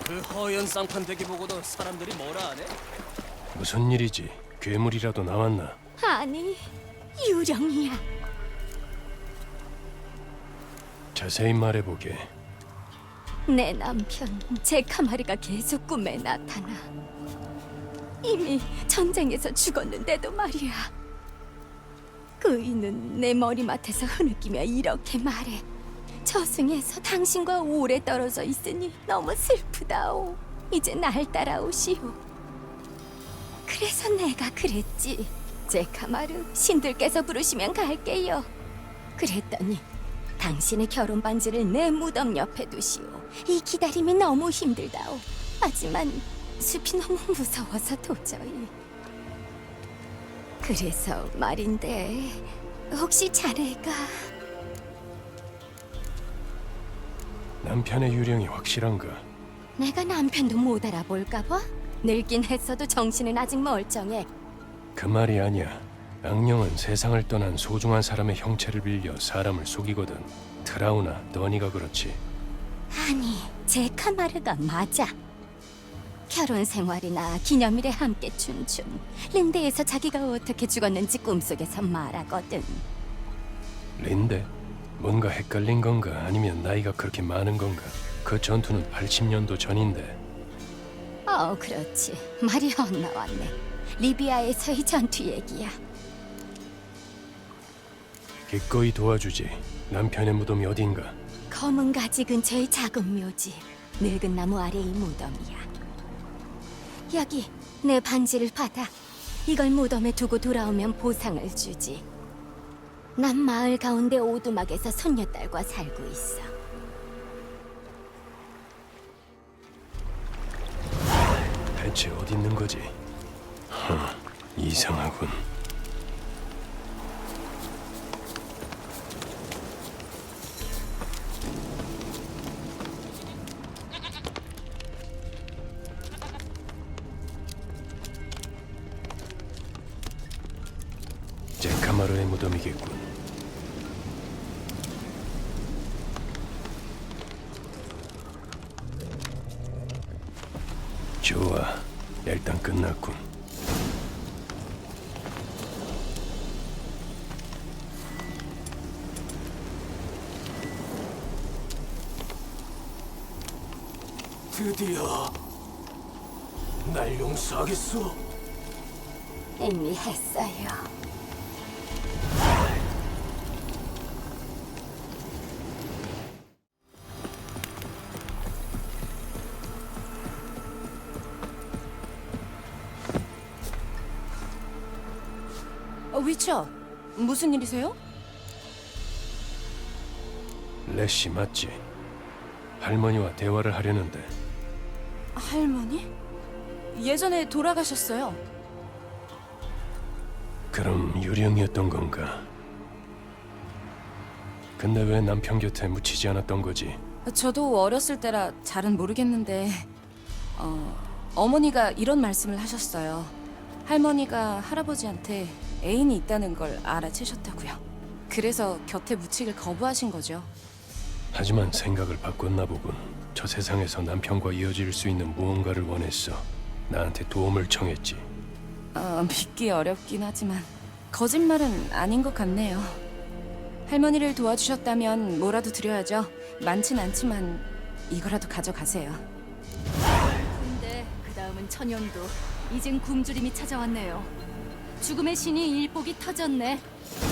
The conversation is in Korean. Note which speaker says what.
Speaker 1: 그 허연 쌍판대기 보고도 사람들이 뭐라 하네?
Speaker 2: 무슨 일이지? 괴물이라도 나왔나?
Speaker 3: 아니, 유령이야.
Speaker 2: 자세히 말해보게.
Speaker 3: 내 남편 제카마르가 계속 꿈에 나타나. 이미 전쟁에서 죽었는데도 말이야. 그이는 내 머리맡에서 흐느끼며 이렇게 말해. 저승에서 당신과 오래 떨어져 있으니 너무 슬프다오. 이제 날 따라오시오. 그래서 내가 그랬지. 제카마르, 신들께서 부르시면 갈게요. 그랬더니 당신의 결혼 반지를 내 무덤 옆에 두시오. 이 기다림이 너무 힘들다오. 하지만 숲이 너무 무서워서 도저히. 그래서 말인데 혹시 자네가
Speaker 2: 남편의 유령이 확실한가?
Speaker 3: 내가 남편도 못 알아볼까 봐? 늙긴 했어도 정신은 아직 멀쩡해.
Speaker 2: 그 말이 아니야. 악령은 세상을 떠난 소중한 사람의 형체를 빌려 사람을 속이거든. 트라우나, 너니가 그렇지.
Speaker 3: 아니, 제카마르가 맞아. 결혼 생활이나 기념일에 함께 춘춘. 린데에서 자기가 어떻게 죽었는지 꿈속에서 말하거든.
Speaker 2: 린데? 뭔가 헷갈린 건가? 아니면 나이가 그렇게 많은 건가? 그 전투는 80년도 전인데.
Speaker 3: 그렇지. 말이 헛나왔네. 리비아에서의 전투 얘기야.
Speaker 2: 기꺼이 도와주지. 남편의 무덤이 어딘가?
Speaker 3: 검은 가지 근처의 작은 묘지. 늙은 나무 아래의 무덤이야. 여기 내 반지를 받아. 이걸 무덤에 두고 돌아오면 보상을 주지. 난 마을 가운데 오두막에서 손녀딸과 살고 있어.
Speaker 2: 대체 어디 있는 거지? 이상하군. 제카마르의 무덤이겠군. 좋아, 일단 끝났군.
Speaker 1: 드디어 날 용서하겠소?
Speaker 3: 이미 했어요.
Speaker 4: 위쳐, 무슨 일이세요?
Speaker 2: 레시 맞지? 할머니와 대화를 하려는데.
Speaker 4: 할머니? 예전에 돌아가셨어요.
Speaker 2: 그럼 유령이었던 건가? 근데 왜 남편 곁에 묻히지 않았던 거지?
Speaker 4: 저도 어렸을 때라 잘은 모르겠는데 어머니가 이런 말씀을 하셨어요. 할머니가 할아버지한테 애인이 있다는 걸 알아채셨다고요. 그래서 곁에 묻히길 거부하신 거죠.
Speaker 2: 하지만 생각을 바꿨나 보군. 저 세상에서 남편과 이어질 수 있는 무언가를 원했어. 나한테 도움을 청했지.
Speaker 4: 믿기 어렵긴 하지만 거짓말은 아닌 것 같네요. 할머니를 도와주셨다면 뭐라도 드려야죠. 많진 않지만 이거라도 가져가세요.
Speaker 5: 근데 그 다음은 천연도. 이젠 굶주림이 찾아왔네요. 죽음의 신이 일복이 터졌네.